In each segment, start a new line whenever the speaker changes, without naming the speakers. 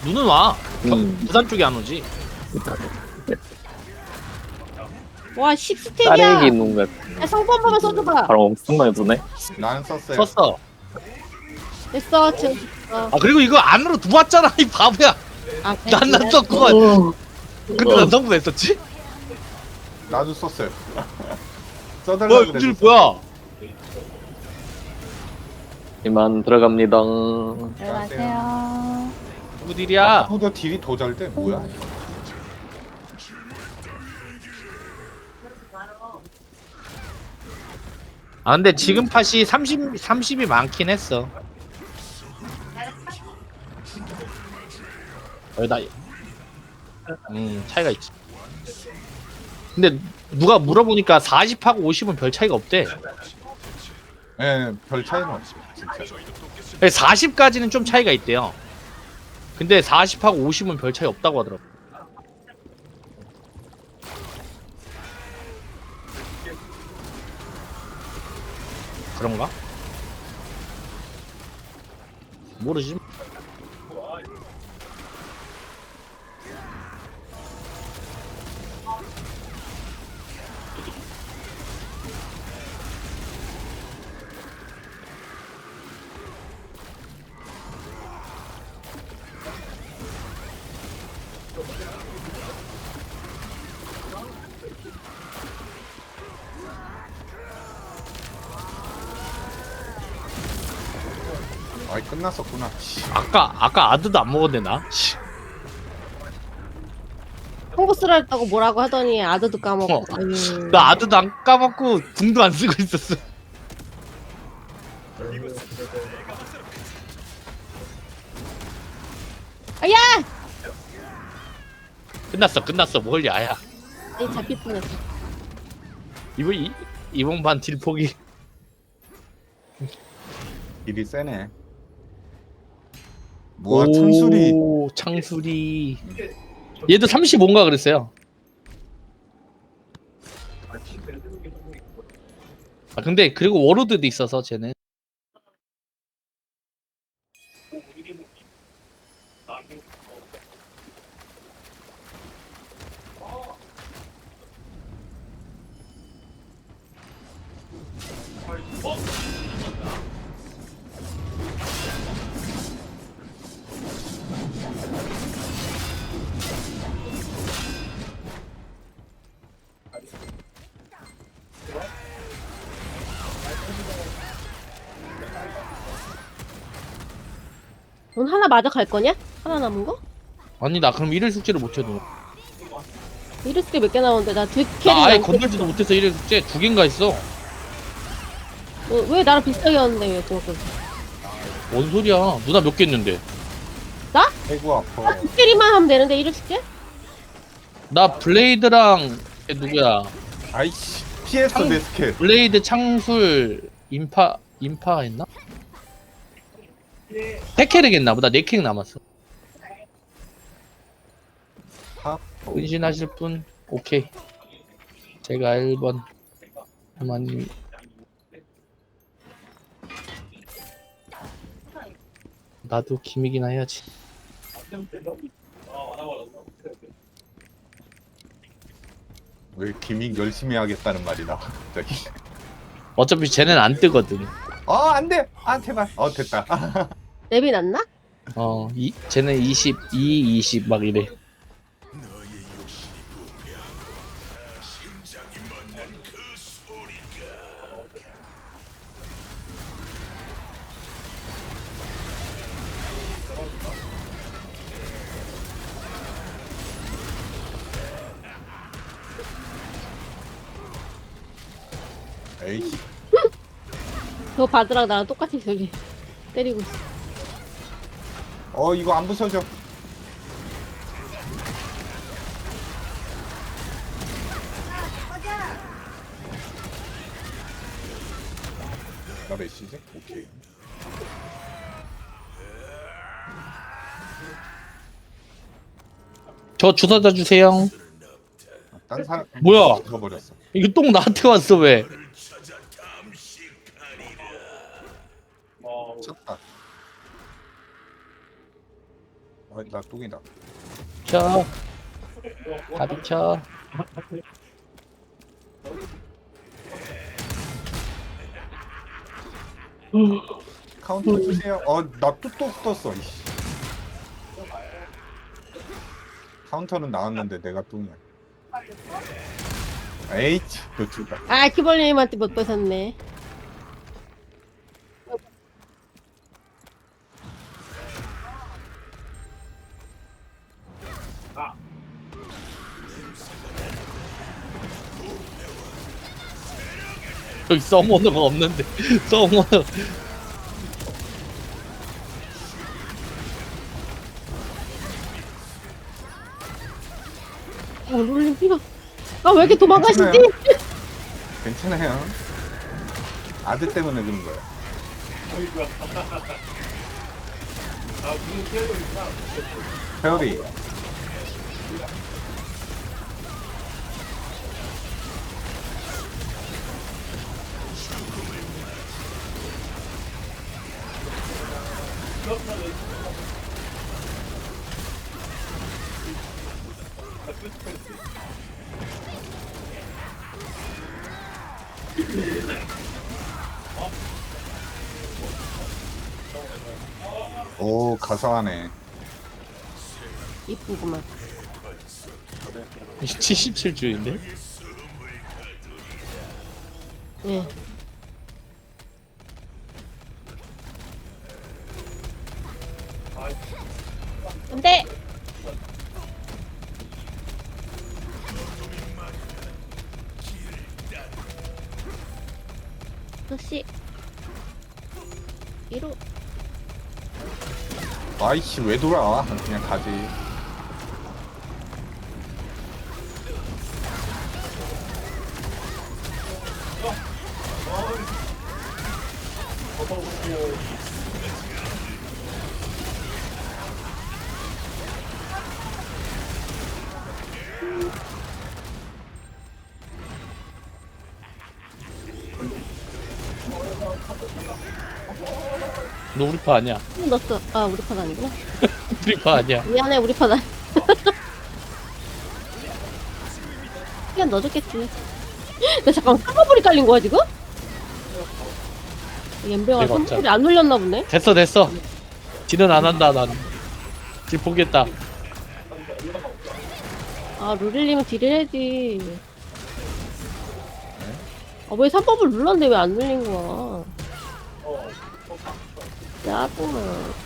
눈은 와. 부산
음.
쪽에 안 오지.
와 10스택이야.
따레기 있는 거
야, 성분 한번 써줘봐.
바로 엄청 많이 도네.
난 썼어요.
썼어.
됐어 지금.
아 그리고 이거 안으로 들어왔잖아 이 바보야.
아,
난 썼구만. 근데 난 성분 왜 썼지?
나도 썼어요.
뭐야
써달라고
이줄
그래서
뭐야?
이만 들어갑니다.
안녕하세요.
누구 딜이야?
보다 딜이 더 잘 돼. 뭐야?
아 근데 지금 팟이 30이 많긴 했어. 나 차이가 있지. 근데 누가 물어보니까 40하고 50은 별 차이가 없대.
예, 별 차이는 없어. 진짜.
40까지는 좀 차이가 있대요. 근데 40하고 50은 별 차이 없다고 하더라고. 그런가? 모르지.
아이 끝났었구나. 씨.
아까 아드도 안 먹었네 나. 씨.
홍보 쓰라 했다고 뭐라고 하더니 아드도 까먹고. 아유.
나 아드도 안 까먹고 궁도 안 쓰고 있었어.
아야!
끝났어 뭘 야야.
이 잡힐 뻔했어.
이번 반 딜 포기.
딜이 세네. 뭐야 창술이.
오, 창술이. 얘도 35인가 그랬어요. 아 근데 그리고 워로드도 있어서 쟤는.
넌 하나 맞아 갈 거냐? 하나 남은 거?
아니 나 그럼 1일 숙제를 못해도.
이르스게 몇 개 나오는데 나 두 캐리
나 아예
남고.
건들지도 못해서 1일 숙제 2개인가 했어.
왜 나랑 비슷하게 하는데 왜 그거?
뭔 소리야? 누나 몇 개 했는데?
아이고 아파.
두 캐리만 하면 되는데 이르스게?
나 블레이드랑 걔 누구야?
아이씨 피했어 내 스킬.
블레이드 창술 인파 했나? 패캐릭 했나 보다. 4캐릭 남았어.
하?
은신하실 분? 오케이. 제가 1번 그만님. 나도 김이기나 해야지.
왜 기믹 열심히 하겠다는 말이다. 갑자기.
어차피 쟤는 안 뜨거든.
안돼. 아 제발. 됐다.
랩이 났나?
쟤는 20 막 이래.
에이씨.
저 바드랑 나랑 똑같이 저기 때리고 있어.
이거 안 부서져. 나 메시지? 오케이.
저 주사자 주세요.
딴 사람
뭐야?
죽어버렸어.
이거 똥 나한테 왔어 왜?
쳤다. 나 뚱이다.
쳐. 가비 쳐.
카운터 주세요. 나 뚝뚝 떴어. 이씨. 카운터는 나왔는데 내가 뚱이야. 에이치, 너 죽다.
아 키벌님한테 못 뺏었네.
여기 서머너가 없는데. 서머너.
룰림 피가. 아 왜 이렇게 도망가시지?
괜찮아요. 아들 때문에 그런 거야. 페어리. 오, 가사하네.
이쁘구만.
77주인데?
예. 안돼. 역시 1호.
아이씨, 왜 돌아? 그냥 가지.
너 우리 파 아니야.
넣었어. 아 우리 판 아니구나.
우리 파 아니야.
미안해 우리 판 아니. 그냥 넣어줬겠지. 나 잠깐 사과불이 깔린 거야 지금? 옌병아
내가
사과불이 안 눌렸나 보네.
됐어. 딜은 안 한다, 난. 딜 포기했다.
아 루릴님은 딜을 해야지. 왜 3법을 눌렀는데 왜 안 눌린 거야? 짜증나.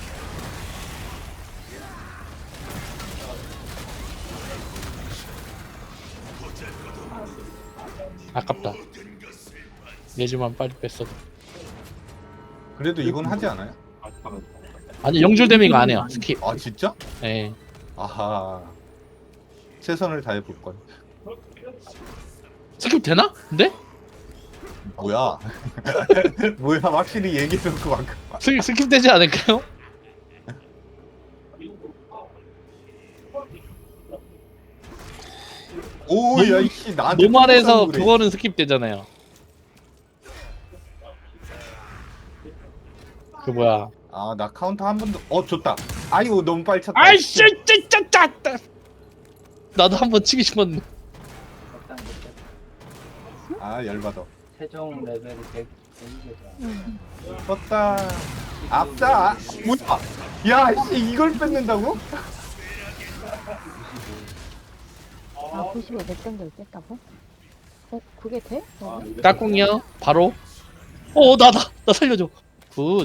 아깝다. 예지만 빨리 뺐어.
그래도 이건 하지 않아요?
아니, 영줄 데미가 안 해요. 스킵.
아, 진짜?
예.
아하. 최선을 다해볼 걸.
스킵 되나? 근데?
뭐야? 뭐야? 확실히 얘기해놓고 막.
스킵 되지 않을까요?
오, 야, 이씨, 나한테.
노말에서
그래.
그거는 스킵 되잖아요. 그 뭐야?
아, 나 카운터 한 번도. 좋다. 아이고, 너무 빨리 찼다.
아이씨, 짜짜짜. 나도 한번 치기 싶었는데.
아, 열받아.
최종 레벨이 100이겠다.
떴다. 앞다. 뭐야? 야, 씨, 이걸 뺏는다고?
아 95 몇 정도를 뺐다고? 그게 돼?
까꿍이요? 바로? 나 살려줘. 굿.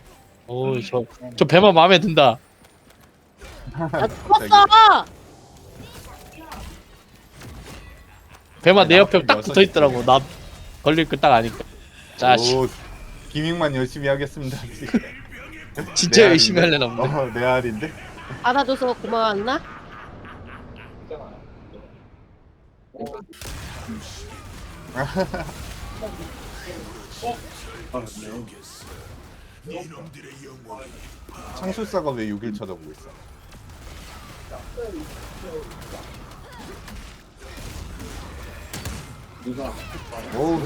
저 배만 마음에 든다.
나 죽었어!
배만 내 옆에 딱
여섯
붙어 있더라고. 나 걸릴 거 딱 아니까. 자식.
오, 기믹만 열심히 하겠습니다.
진짜
내
열심히
알인데?
하려나 보네.
내 알인데?
받아줘서 고마웠나?
창술사가 왜 6일 쳐다보고 있어? 오,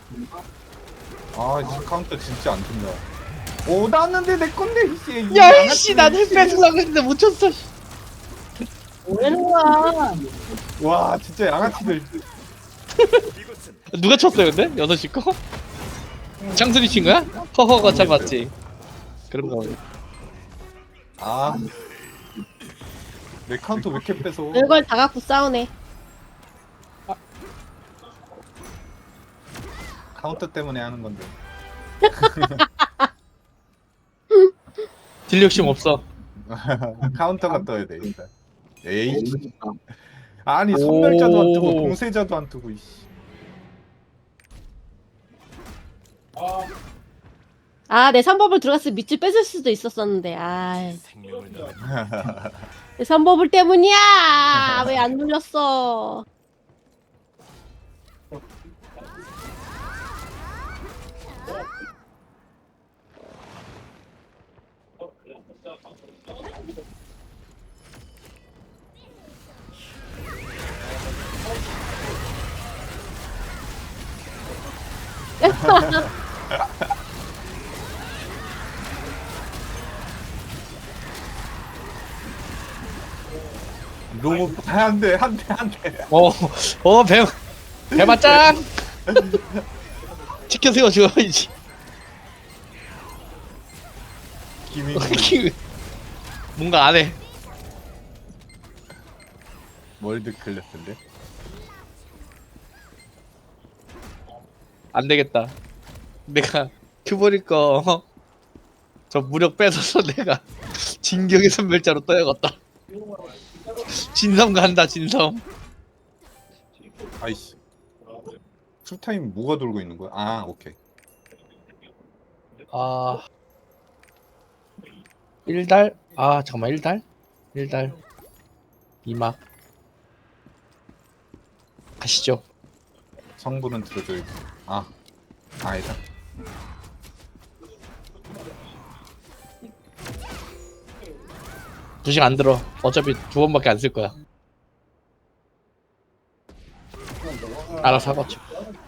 아, 이 카운터 진짜 안 된다. 오, 나왔는데 내 건데, 이씨. 이
야
양아치
이씨 나는
씨.
뺏으려고 했는데 못 쳤어.
뭐라는 거야?
와, 진짜 양아치들.
누가 쳤어요 근데? 6시 거? 창순이 친 거야? 허허가 참았지. 그런 거.
아. 내 카운터 왜 이렇게 뺏어?
별걸 다 갖고 싸우네.
카운터 때문에 하는 건데.
딜 욕심 없어.
카운터가 떠야 돼, 일단. 에이. 아니, 선멸자도 안 뜨고,
오.
공세자도 안 뜨고, 이씨.
아, 내 3법을 들어갔으면 밑줄 뺏을 수도 있었었는데. 아, 내 3법을 때문이야. 왜 안 눌렸어?
로봇, 한 대, 한 대, 한 대.
배맞짱. 치켜 세워줘야지.
기믹
뭔가 안 해.
월드 클래스인데?
안 되겠다. 내가 큐버릴 거 저 무력 뺏어서 내가 진격의 선멸자로 떠야겠다. 진섬 간다 진섬.
아이씨. 풀타임 뭐가 돌고 있는 거야? 아, 오케이.
아 1달? 아 잠깐만 1달? 1달 2막 가시죠.
성분은 들어줘야지. 아, 아니다.
두식 안 들어. 어차피 2번밖에 안 쓸 거야. 알아서 하겠죠.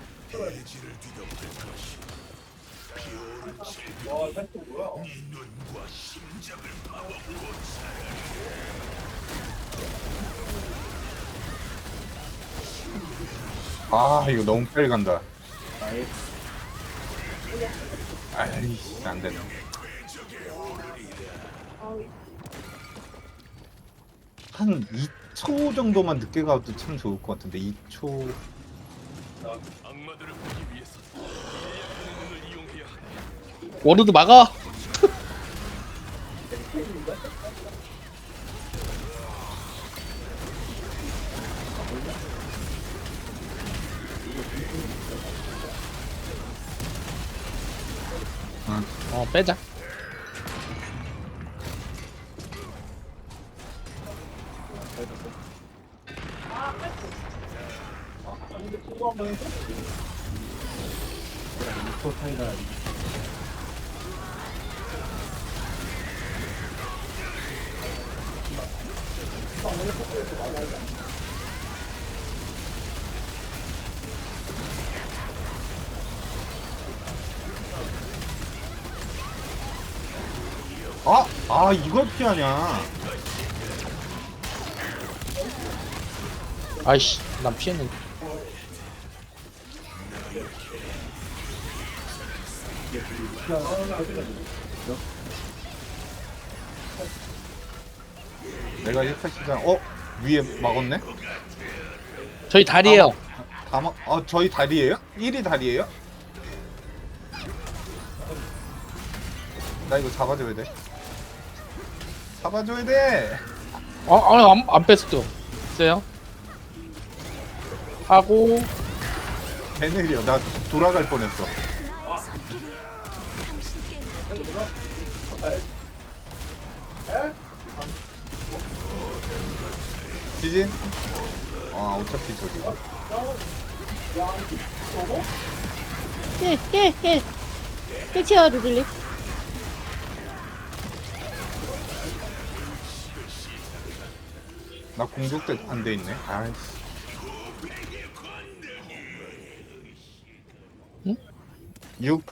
아, 이거 너무 빨리 간다. 아이씨, 안 되네. 한 2초 정도만 늦게 가도 참 좋을 것 같은데 2초.
워르드 막아. 빼자.
이걸 피하냐?
아이씨, 난 피했는데.
내가 1타 시장, 위에 막았네?
저희 다리에요.
저희 다리예요? 1이 다리예요? 나 이거 잡아줘야 돼. 잡아줘야 돼.
안 뺐어. 있어요? 하고,
배늘이요. 나 돌아갈 뻔했어. 지진? 어차피 저기가.
힐 치워, 루들리.
나 공격대 안 돼 있네. 아이씨.
응?
6.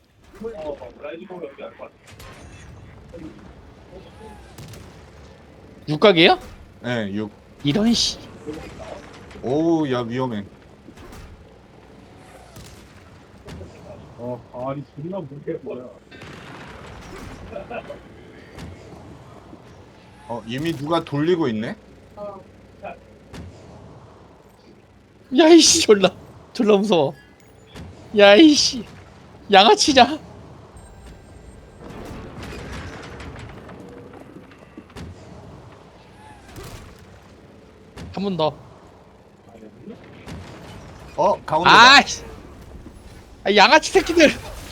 육각이에요?
네, 6.
이런 씨.
오우, 야, 위험해. 이미 누가 돌리고 있네?
야이씨 졸라 무서워. 야이씨 양아치냐? 한 번 더.
가운데다.
아이씨. 아, 양아치 새끼들.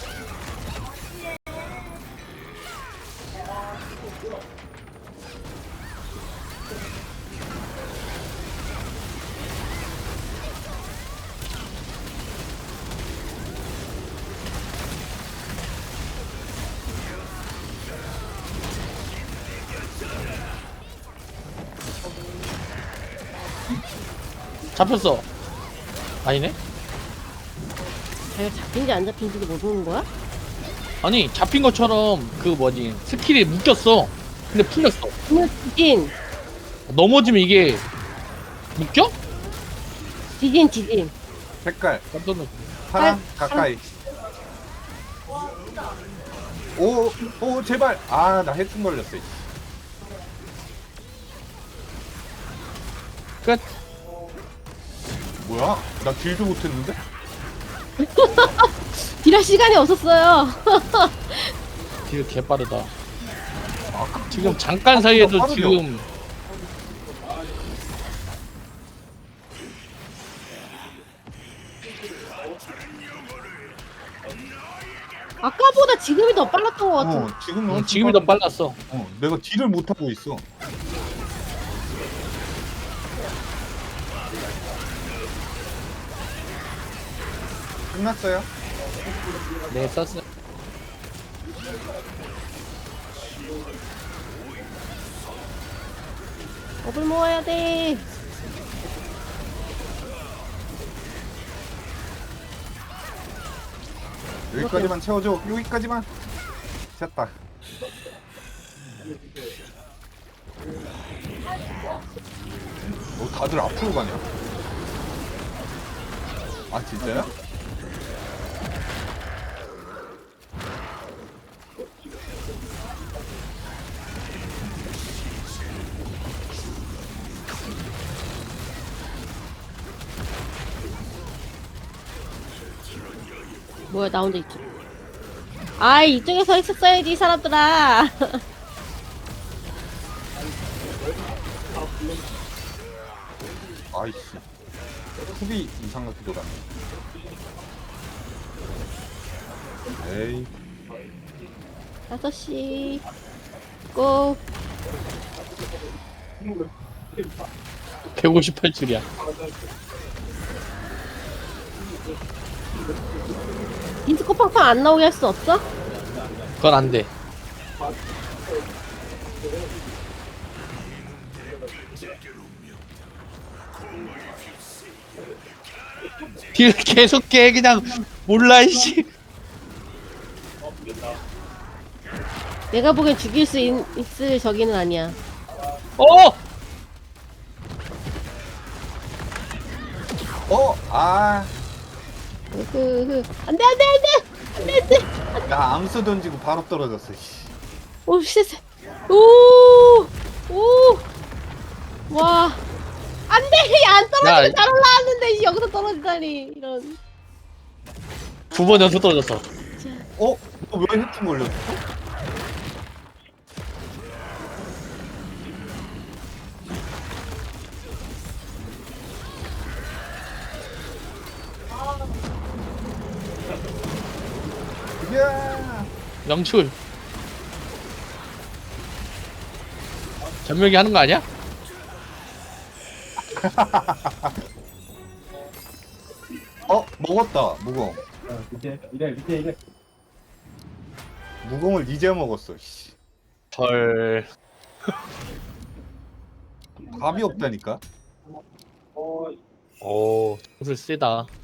잡혔어. 아니네?
자기가 잡힌지 안 잡힌지도 모르는 거야?
아니 잡힌 것처럼 그 뭐지 스킬이 묶였어. 근데 풀렸어.
그러면 지진.
넘어지면 이게 묶여?
지진.
색깔.
깜짝 놀.
파랑,
파랑.
가까이. 오, 제발. 아, 나 해충 걸렸어. 이씨.
끝.
뭐야? 나 딜도 못했는데?
딜할 시간이 없었어요.
딜 개빠르다. 지금 잠깐 사이에도
빠르죠?
지금
아까보다 지금이 더 빨랐던 것 같아.
지금이
더 빨랐어.
내가 딜을 못하고 있어. 끝났어요?
네 썼어.
업을 모아야 돼.
여기까지만 채워줘. 여기까지만. 됐다. 다들 앞으로 가냐? 아, 진짜요?
뭐야, 나 혼자 이쪽. 아이, 이쪽에 서 있었어야지, 이 사람들아.
아이씨. 후비 이상하게 돌았네. 에이.
5시. 고.
158줄이야.
디스코 팡팡 안 나오게 할 수 없어?
그건 안 돼. 딜 계속 깨 그냥 몰라 이씨.
내가 보기엔 죽일 수 있을 저기는 아니야.
어!
아.
안 돼, 안 돼, 안 돼! 안 돼, 안 돼!
나 암수 던지고 바로 떨어졌어. 씨.
오, 씨. 오! 오! 와. 안 돼! 안 떨어지고
야.
잘 올라왔는데, 여기서 떨어지다니. 이런.
2번 연속 떨어졌어.
왜 해충 걸렸어? 야.
영출. 전멸기 하는 거 아니야?
먹었다. 무공.
이래.
무공을 이제 먹었어. 씨.
헐.
답이 없다니까.
오, 점술 세다.